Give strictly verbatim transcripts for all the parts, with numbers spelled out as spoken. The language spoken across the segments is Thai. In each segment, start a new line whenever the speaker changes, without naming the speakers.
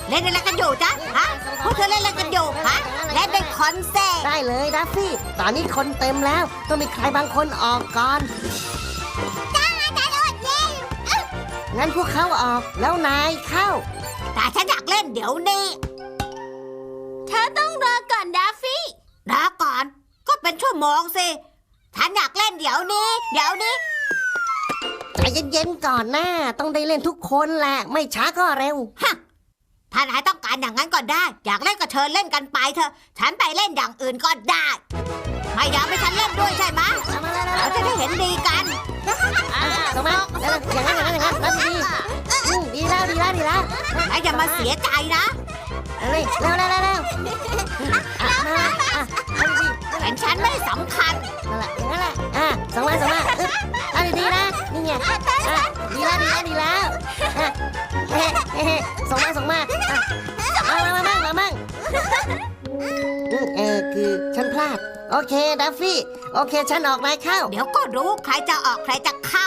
เล่นอะไรกันอยู่จ๊ะฮะพวกเธอเล่นอะไรกันอยู่ฮะเล่นเป็นคอนเสิร์ต
ได้เลยดัฟฟี่ตอนนี้คนเต็มแล้วต้องมีใครบางคนออกก่อนจ้าจ้าโดดเล่นงั้นพวกเขาออกแล้วนายเข้า
แต่ฉันอยากเล่นเดี๋ยวนี้
เธอต้องรอก่อนดัฟฟี่
รอก่อนก็เป็นชั่วโมงสิฉันอยากเล่นเดี๋ยวนี้ เดี๋ยวนี้
ใจเย็นๆก่อนนะต้องได้เล่นทุกคนแหละไม่ช้าก็เร็ว
ฮะถ้านายต้องการอย่างนั้นก็ได้ อยากเล่นก็เชิญเล่นกันไปเถอะฉันไปเล่นอย่างอื่นก็ได้ไม่อยากให้ฉันเล่นด้วยใช่ไหมเราจะได้เห็นดีกัน
ส่งมาอย่างนั้นอย่างนั้นอย่างนั้นนั่นดีอืมดีแล้วดีแล้วดีแล้ว
นายอย่ามาเสียใจนะ
เร็วเร็วเร็วเร็วเร็วอ่ะมาอ่ะเอาดี
เห็นฉันไม่สำคัญ
นั่นแหละอย่างนั้นแหละอ่ะส่งมาส่งมาอึ๊บเอาดีๆนะนี่ไงอ่ะดีแล้วดีแล้วดีแล้วอ่ะเฮ้เฮ้ส่งมาส่งมาอ่ะมามามามั่งมามั่งอืมเออคือฉันพลาดโอเคดัฟฟี่โอเคฉันออกนายเข้า
เดี๋ยวก็รู้ใครจะออกใครจะเข้า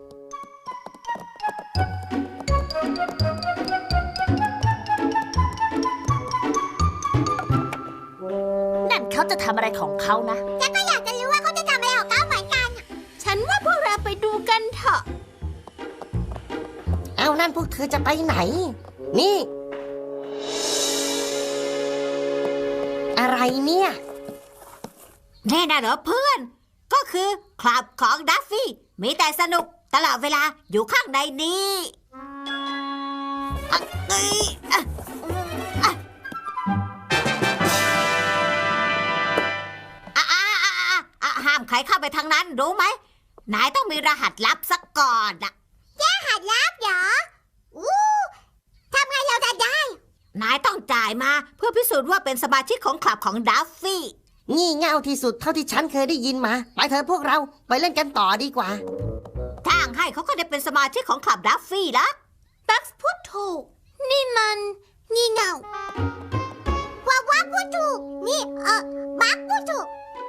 นั่นเขาจะทำอะไรของเขานะฉันก็อยากจะรู้ว่าเขาจะทำอะไรของเขาเหมือนกัน ฉันว่าพวกเราไปดูกันเถอะ
เอานั่นพวกเธอจะไปไหน นี่ อะไรเนี่ย
แน่นะเหรอเพื่อน ก็คือคลับของดัฟฟี่มีแต่สนุกตลอดเวลาอยู่ข้างในนี้อ่ะเอ้ยอ่ะอ่ะอ่ะอ่ะอ่ะอ่ะอ่ะห้ามใครเข้าไปทางนั้นรู้ไหมนายต้องมีรหัสลับสักก่อนอะรหัสลับเหรออู้ทำไงเราจะได้ นายต้องจ่ายมาเพื่อพิสูจน์ว่าเป็นสมาชิกของคลับของดัฟฟี่
งี่เง่าที่สุดเท่าที่ฉันเคยได้ยินมาไปเถอะพวกเราไปเล่นกันต่อดีกว่า
ทางให้เขาก็ได้เป็นสมาชิกของคลับดัฟฟี่แล้ว
บัคส์พูดถูก นี่มันงี่เง่าว่าว่าพูดถูก นี่เออบัคพูดถูก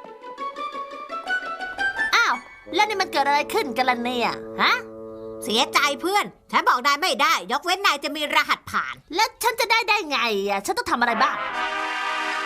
อ้าว แล้วนี่มันเกิดอะไรขึ้นกันล่ะเนี่ย ฮะ
เสียใจเพื่อน ฉันบอกนายไม่ได้ ยกเว้นนายจะมีรหัสผ่าน
แล้วฉันจะได้ได้ไงอ่ะ ฉันต้องทำอะไรบ้าง
น